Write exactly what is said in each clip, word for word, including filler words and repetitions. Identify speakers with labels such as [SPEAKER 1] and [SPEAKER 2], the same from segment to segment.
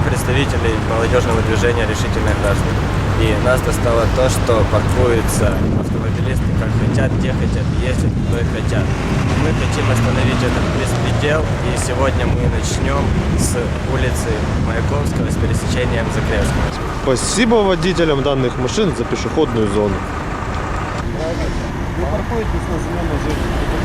[SPEAKER 1] представителей молодежного движения «Решительные граждане». И нас достало то, что паркуются автомобилисты как хотят, где хотят, ездят, куда хотят. Мы хотим остановить этот беспредел, и сегодня мы начнем с улицы Маяковского с пересечением Закревского.
[SPEAKER 2] Спасибо водителям данных машин за пешеходную зону.
[SPEAKER 3] Вы паркуетесь на зеленой зоне.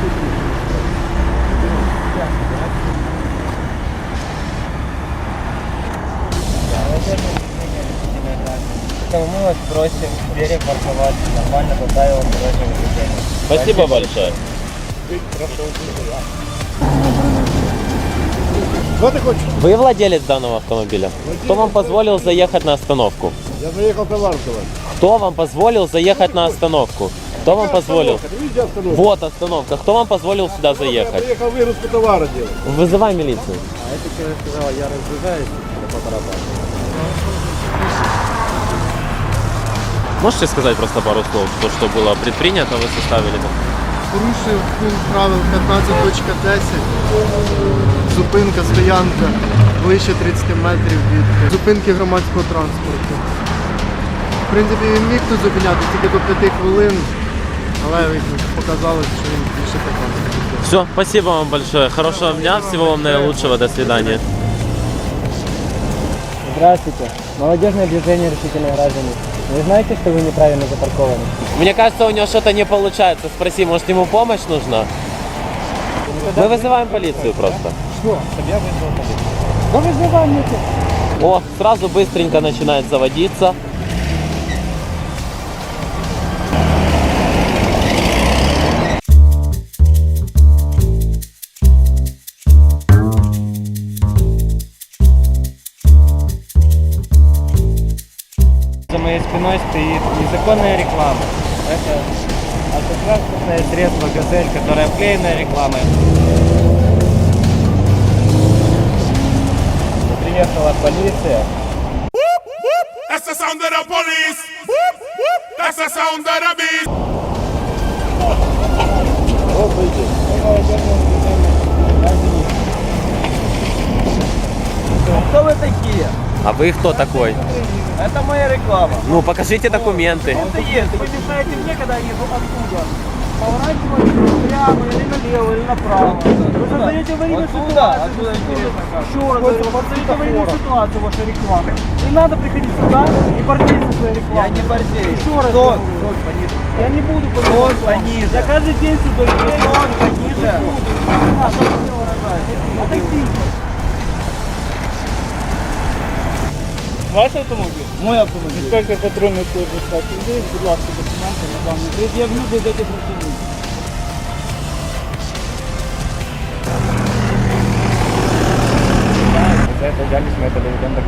[SPEAKER 4] Поэтому мы вас просим перепарковаться нормально по правилам дорожного движения.
[SPEAKER 5] Спасибо большое.
[SPEAKER 3] Что ты хочешь?
[SPEAKER 5] Вы владелец данного автомобиля? Кто вам позволил заехать на остановку?
[SPEAKER 3] Я заехал товар давать.
[SPEAKER 5] Кто вам позволил заехать на остановку? Кто вам позволил? Вот остановка. Кто вам позволил сюда
[SPEAKER 3] Я
[SPEAKER 5] заехать?
[SPEAKER 3] приехал выгрузку товара делать.
[SPEAKER 5] Вызывай милицию.
[SPEAKER 4] А это человек сказал, я разгружаюсь по барабану.
[SPEAKER 5] Можете сказать просто пару слов, то, что было предпринято, вы составили?
[SPEAKER 6] Порушив пункт правил п'ятнадцять точка десять, зупинка, стоянка ближче тридцять метрів від зупинки громадського транспорту. В принципі, він міг тут зупиняти тільки до п'яти хвилин, але показалось, що він більше п'ятнадцять.
[SPEAKER 5] Все, спасибо вам большое. Хорошего дня, всего вам наилучшего, до свидания.
[SPEAKER 4] Здравствуйте. Молодежное движение «Решительные граждане». Вы знаете, что вы неправильно запаркованы?
[SPEAKER 5] Мне кажется, у него что-то не получается. Спроси, может, ему помощь нужна? Мы вызываем полицию просто.
[SPEAKER 4] Что? Чтобы я вызвал полицию. Да вызывай мне.
[SPEAKER 5] О, сразу быстренько начинает заводиться.
[SPEAKER 4] За моей спиной стоит незаконная реклама. Это автотранспортное средство «Газель», которое обклеено рекламой. Приехала полиция.
[SPEAKER 7] That's the sound of the police. That's the sound of the beast.
[SPEAKER 4] Кто вы такие?
[SPEAKER 5] А вы кто такой?
[SPEAKER 4] Это моя реклама.
[SPEAKER 5] Ну, покажите документы.
[SPEAKER 4] Это есть. Вы мешаете мне, когда я еду оттуда. Поворачивайте прямо или налево, или направо. Вы создаете аварийную ситуацию. Еще раз говорю, вы создаете аварийную ситуацию в вашей рекламе. Не надо приходить сюда и портить со своей рекламой. Я не портею. Еще раз говорю. Я не буду пониже. Я каждый день сюда еду. Пониже. А что вы мне выражаете? Отойдите.
[SPEAKER 8] Ваш автомобіль?
[SPEAKER 4] Мой автомобиль.
[SPEAKER 8] Інспектор патрульної служби статті людей, будь ласка, документи на даний пред'явлю до дати працівників.
[SPEAKER 4] За эту дальность мы это доведем до